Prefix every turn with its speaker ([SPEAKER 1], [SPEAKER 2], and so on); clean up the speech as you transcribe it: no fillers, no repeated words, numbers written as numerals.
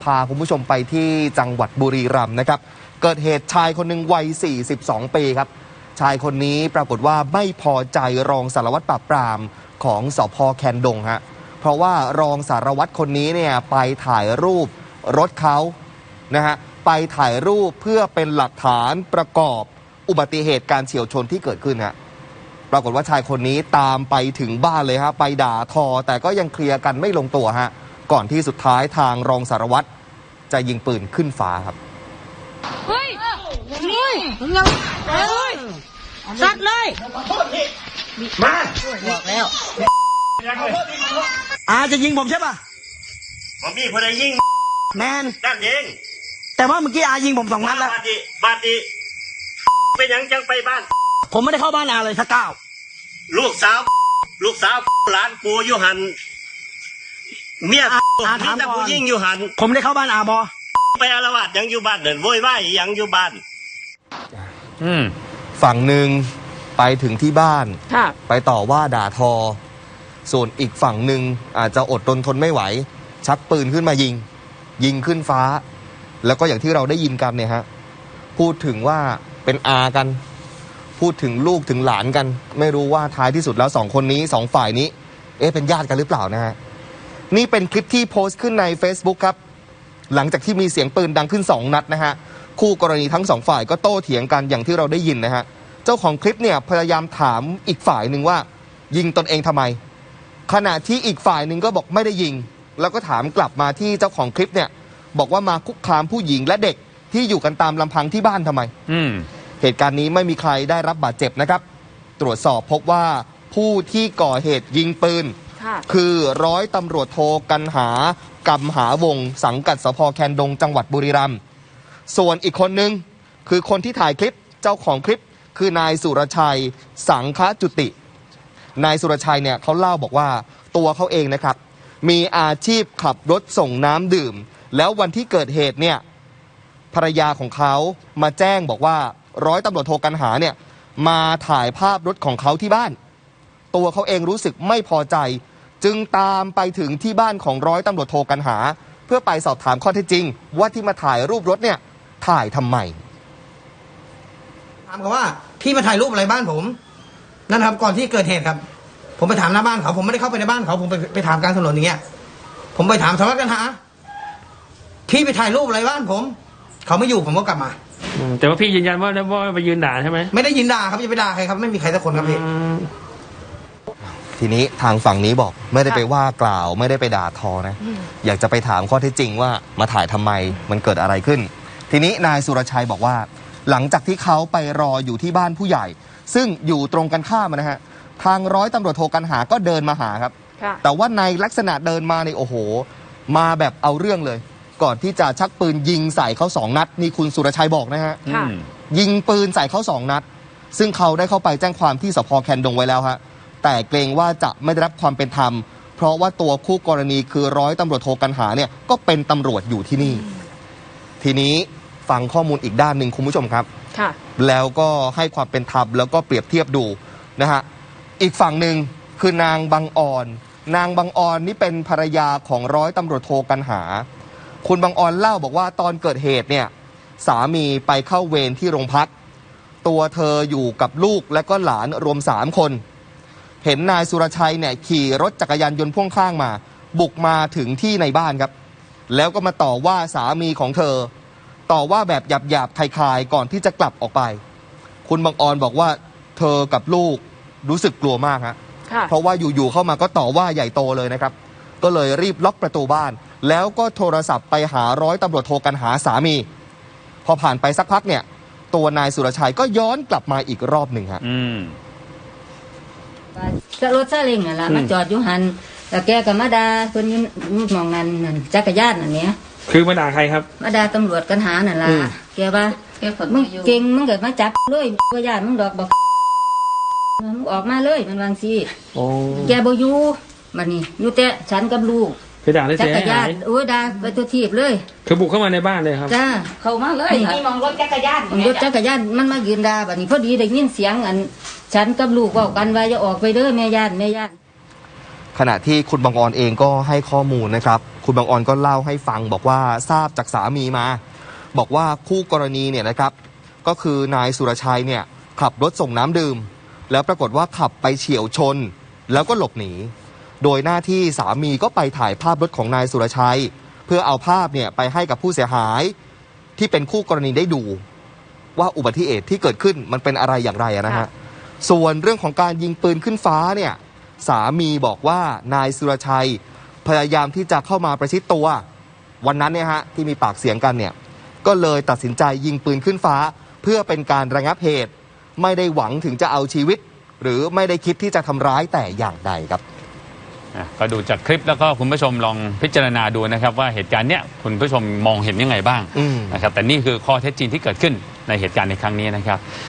[SPEAKER 1] พาคุณผู้ชมไปที่จังหวัดบุรีรัมย์นะครับเกิดเหตุชายคนหนึ่งวัย42 ปีครับชายคนนี้ปรากฏว่าไม่พอใจรองสารวัตรปราบปรามของสภ.แคนดงฮะเพราะว่ารองสารวัตรคนนี้เนี่ยไปถ่ายรูปรถเขานะฮะไปถ่ายรูปเพื่อเป็นหลักฐานประกอบอุบัติเหตุการเฉี่ยวชนที่เกิดขึ้นฮะปรากฏว่าชายคนนี้ตามไปถึงบ้านเลยฮะไปด่าทอแต่ก็ยังเคลียร์กันไม่ลงตัวฮะก่อนที่สุดท้ายทางรองสารวัตรจะยิงปืนขึ้นฟ้าครับ
[SPEAKER 2] เฮ้ยสัตว์เลย
[SPEAKER 3] มา
[SPEAKER 2] บอกแล้ว
[SPEAKER 3] จะยิงผมใช่ป่ะ
[SPEAKER 4] ผมมีคนใดยิง
[SPEAKER 3] แมน
[SPEAKER 4] นั่นเอง
[SPEAKER 3] แต่ว่าเมื่อกี้ยิงผม2 นัดแล้ว
[SPEAKER 4] บาดดีเป็นยังจังไปบ้าน
[SPEAKER 3] ผมไม่ได้เข้าบ้านเลยสักก้าว
[SPEAKER 4] ลูกสาวหลานปูอยู่หันเมียถามแต่ผู้ยิ่งอยู่หัน
[SPEAKER 3] ผมได้เข้าบ้านบอ
[SPEAKER 4] ไปอาละวาดยังอยู่บ้านเดินโวยวายยังอยู่บ้าน
[SPEAKER 1] ฝั่งหนึ่งไปถึงที่บ้านไปต่อว่าด่าทอส่วนอีกฝั่งหนึ่งอาจจะอดทนไม่ไหวชักปืนขึ้นมายิงขึ้นฟ้าแล้วก็อย่างที่เราได้ยินกันเนี่ยฮะพูดถึงว่าเป็นอากันพูดถึงลูกถึงหลานกันไม่รู้ว่าท้ายที่สุดแล้ว2 คนนี้2 ฝ่ายนี้เป็นญาติกันหรือเปล่านะฮะนี่เป็นคลิปที่โพสต์ขึ้นใน Facebook ครับหลังจากที่มีเสียงปืนดังขึ้น2 นัดนะฮะคู่กรณีทั้ง2 ฝ่ายก็โต้เถียงกันอย่างที่เราได้ยินนะฮะเจ้าของคลิปเนี่ยพยายามถามอีกฝ่ายหนึ่งว่ายิงตนเองทำไมขณะที่อีกฝ่ายหนึ่งก็บอกไม่ได้ยิงแล้วก็ถามกลับมาที่เจ้าของคลิปเนี่ยบอกว่ามาคุกคามผู้หญิงและเด็กที่อยู่กันตามลำพังที่บ้านทำไมเหตุการณ์นี้ไม่มีใครได้รับบาดเจ็บนะครับตรวจสอบพบว่าผู้ที่ก่อเหตุยิงปืนคือร้อยตำรวจโทกันหากำหาวงสังกัดสภ.แคนดงจังหวัดบุรีรัมย์ส่วนอีกคนนึงคือคนที่ถ่ายคลิปเจ้าของคลิปคือนายสุรชัยสังฆจุตินายสุรชัยเนี่ยเขาเล่าบอกว่าตัวเขาเองนะครับมีอาชีพขับรถส่งน้ำดื่มแล้ววันที่เกิดเหตุเนี่ยภรรยาของเขามาแจ้งบอกว่าร้อยตำรวจโทกันหาเนี่ยมาถ่ายภาพรถของเขาที่บ้านตัวเขาเองรู้สึกไม่พอใจจึงตามไปถึงที่บ้านของร้อยตำรวจโทกันหาเพื่อไปสอบถามข้อเท็จจริงว่าที่มาถ่ายรูปรถเนี่ยถ่ายทำไม
[SPEAKER 3] ถามเขาว่าพี่มาถ่ายรูปอะไรบ้านผมนั่นครับก่อนที่เกิดเหตุครับผมไปถามหน้าบ้านเขาผมไม่ได้เข้าไปในบ้านเขาผมไปถามกลางถนนอย่างเงี้ยผมไปถามสารวัตรกันหาพี่ไปถ่ายรูปอะไรบ้านผมเขาไม่อยู่ผมก็กลับมา
[SPEAKER 5] แต่ว่าพี่ยืนยันว่าไปยืนด่าใช่ไหม
[SPEAKER 3] ไม่ได้ยืนด่าครับจะไปด่าใครครับไม่มีใครสักคนครับพี่
[SPEAKER 1] ทีนี้ทางฝั่งนี้บอกไม่ได้ไปว่ากล่าวไม่ได้ไปด่าทอนะอยากจะไปถามข้อเท็จจริงว่ามาถ่ายทำไมมันเกิดอะไรขึ้นทีนี้นายสุรชัยบอกว่าหลังจากที่เขาไปรออยู่ที่บ้านผู้ใหญ่ซึ่งอยู่ตรงกันข้ามนะฮะทางร้อยตำรวจโทกันหาก็เดินมาหาครับแต่ว่าในลักษณะเดินมาในโอ้โหมาแบบเอาเรื่องเลยก่อนที่จะชักปืนยิงใส่เขา2 นัดนี่คุณสุรชัยบอกนะฮะยิงปืนใส่เขา2 นัดซึ่งเขาได้เข้าไปแจ้งความที่สภ.แคนดงไว้แล้วฮะแต่เกรงว่าจะไม่ได้รับความเป็นธรรมเพราะว่าตัวคู่กรณีคือร้อยตำรวจโทกันหาเนี่ยก็เป็นตำรวจอยู่ที่นี่ทีนี้ฟังข้อมูลอีกด้านหนึ่งคุณผู้ชมครับแล้วก็ให้ความเป็นธรรมแล้วก็เปรียบเทียบดูนะฮะอีกฝั่งหนึ่งคือนางบังออนนี่เป็นภรรยาของร้อยตำรวจโทกันหาคุณบังออนเล่าบอกว่าตอนเกิดเหตุเนี่ยสามีไปเข้าเวรที่โรงพักตัวเธออยู่กับลูกและก็หลานรวม3 คนเห็นนายสุรชัยเนี่ยขี่รถจักรยานยนต์พ่วงข้างมาบุกมาถึงที่ในบ้านครับแล้วก็มาต่อว่าสามีของเธอต่อว่าแบบหยาบๆคลายๆก่อนที่จะกลับออกไปคุณบังออนบอกว่าเธอกับลูกรู้สึกกลัวมากฮะเพราะว่าอยู่ๆเข้ามาก็ต่อว่าใหญ่โตเลยนะครับก็เลยรีบล็อกประตูบ้านแล้วก็โทรศัพท์ไปหาร้อยตำรวจโทกันหาสามีพอผ่านไปสักพักเนี่ยตัวนายสุรชัยก็ย้อนกลับมาอีกรอบหนึ่งฮะ
[SPEAKER 2] รถซาเล้งน่ะล่ะมาจอดอยู่หันแล้วแกก็มาด่าเพิ่นอยู่มองนั่นจักรยานนั่นเนี่ย
[SPEAKER 5] คือมาด่าใครครับ
[SPEAKER 2] มาด่าตำรวจกันหานั่นล่ะแกว่ามึงเก่งมึงเกิดมาจับเลยว่าญาติมึงดอกบอกมึงออกมาเลยมันวางสิแกบ่อยู่บัดนี้อยู่แต่ฉันกับลูก
[SPEAKER 5] ไปด่าได้เสียหาย
[SPEAKER 2] โอ้ยด่าไปตัวทีบเลย
[SPEAKER 5] คือบุกเข้ามาในบ้านเลยครับ
[SPEAKER 2] จ้าเข้ามาเลย
[SPEAKER 6] นี่มองรถจักรยาน
[SPEAKER 2] มันมายืนด่าบัดนี้พอดีได้ยินเสียงฉันกับลูกเว้ากันว่าอย่าออกไปเด้อแม่ย่าน
[SPEAKER 1] ขณะที่คุณบังออนเองก็ให้ข้อมูลนะครับคุณคุณบางออนก็เล่าให้ฟังบอกว่าทราบจากสามีมา บอกว่าคู่กรณีเนี่ยนะครับก็คือนายสุรชัยเนี่ยขับรถส่งน้ำดื่มแล้วปรากฏว่าขับไปเฉี่ยวชนแล้วก็หลบหนีโดยหน้าที่สามีก็ไปถ่ายภาพรถของนายสุรชัยเพื่อเอาภาพเนี่ยไปให้กับผู้เสียหายที่เป็นคู่กรณีได้ดูว่าอุบัติเหตุที่เกิดขึ้นมันเป็นอะไรอย่างไรนะฮะส่วนเรื่องของการยิงปืนขึ้นฟ้าเนี่ยสามีบอกว่านายสุรชัยพยายามที่จะเข้ามาประชิดตัววันนั้นเนี่ยฮะที่มีปากเสียงกันเนี่ยก็เลยตัดสินใจยิงปืนขึ้นฟ้าเพื่อเป็นการระงับเหตุไม่ได้หวังถึงจะเอาชีวิตหรือไม่ได้คิดที่จะทำร้ายแต่อย่างใดครับ
[SPEAKER 6] ก็ดูจากคลิปแล้วก็คุณผู้ชมลองพิจารณาดูนะครับว่าเหตุการณ์เนี้ยคุณผู้ชมมองเห็นยังไงบ้างนะครับแต่นี่คือข้อเท็จจริงที่เกิดขึ้นในเหตุการณ์ในครั้งนี้นะครับ